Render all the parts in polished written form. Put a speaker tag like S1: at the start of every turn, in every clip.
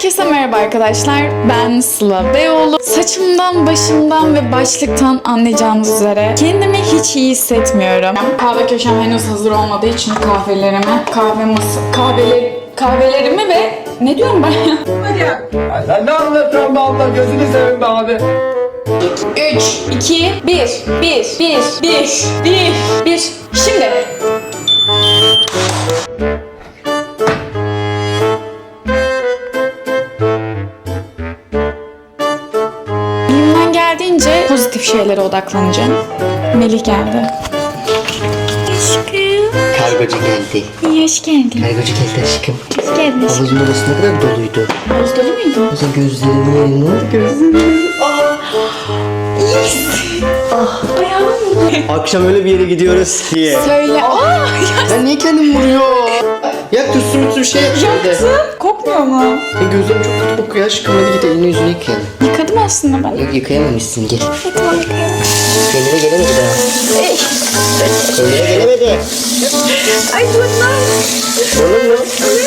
S1: Herkese merhaba arkadaşlar. Ben Sıla Beyoğlu. Saçımdan, başımdan ve başlıktan anlayacağınız üzere kendimi hiç iyi hissetmiyorum. Kahve köşem henüz hazır olmadığı için kahvelerimi ve ne diyorum ben ya?
S2: Hadi ya. Ay sen ne anlatıyorsun be abla? Gözünü seveyim be abi.
S1: 3, 2, 1. Şimdi. Elimden geldiğince pozitif şeylere odaklanacağım. Melih geldi. Aşkım.
S3: Kargocu geldi.
S1: İyi, hoş geldin.
S3: Kargocu geldi aşkım.
S1: Hoş geldin aşkım.
S3: Havuzun orası ne kadar doluydu.
S1: Havuz dolu muydu?
S3: Mesela gözlerimin yerine oldu gözlerim. Akşam öyle bir yere gidiyoruz ki.
S1: Söyle.
S3: Ben niye kendim vuruyor? Ya tütsü şey yap şimdi.
S1: Kokmuyor mu?
S3: Gözlerim çok kötü kokuyor aşkım. Hadi git elini yüzünü yıkayalım.
S1: Yıkadım aslında ben.
S3: Yok yıkayamamışsın gel.
S1: Tamam yıkayalım.
S3: Kendine gelemedi daha. Kendine gelemedi.
S1: Ay bunlar.
S3: Olur mu?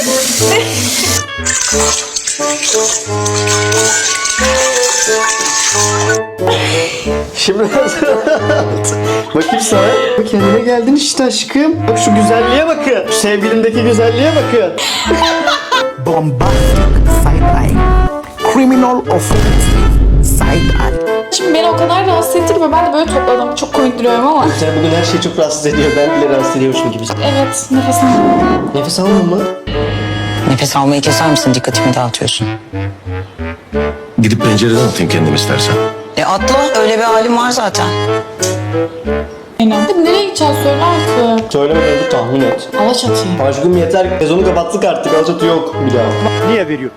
S3: Şimdi hazır. Bakayım sana. Bak kendine geldin işte aşkım. Bak şu güzelliğe bakın. Şu sevgilimdeki güzelliğe bakın.
S4: Bombastic side-eye, criminal offensive side-eye.
S1: Şimdi beni o kadar rahatsız etti ki ben de böyle topladım. Çok komik duruyorum ama.
S3: Sen bugün her şey çok rahatsız ediyor. Ben bile rahatsız ediyormuşum gibi.
S1: Evet, nefes aldım.
S3: Nefes alma mı?
S5: Nefes almayı keser misin? Dikkatimi dağıtıyorsun.
S6: Gidip pencereden atayım kendim istersen.
S5: Atla. Öyle bir halim var zaten.
S1: Aynen. Nereye gideceğiz söyle artık.
S3: Söylemeden dur tahmin et.
S1: Alaçatı'ya.
S3: Aşkım yeter. Sezonu kapattık artık. Alaçatı yok bir daha.
S4: Niye veriyor?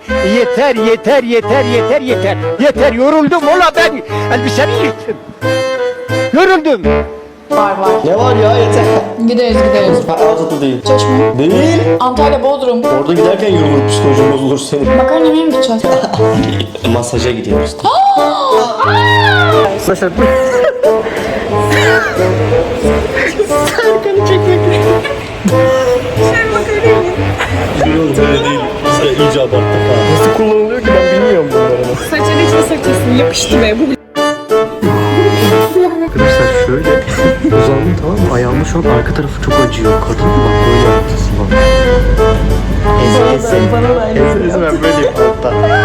S4: Yeter yoruldum ola ben elbisemi yırttım. Yoruldum.
S1: Var.
S3: Ne var ya yeter.
S1: Gideriz.
S3: Ha, Alaçatı değil.
S1: Çeşme.
S3: Değil.
S1: Antalya, Bodrum.
S3: Orada giderken yorulur, psikolojin bozulur senin.
S1: Makarna yemeye mi gideceğiz?
S3: Masaja gidiyoruz. Arkadaşlar böyle değil. Biz de iyice abarttık ha. Nasıl kullanılıyor ki ben bilmiyorum bunları.
S1: Saçını içine sakacaksın. Yapıştı be. Bu
S3: Arkadaşlar şöyle uzandım tamam mı? Ayağımın şu an arka tarafı çok acıyor. Kadın bak böyle yaptırsın bak. Eze ben böyleyim altta.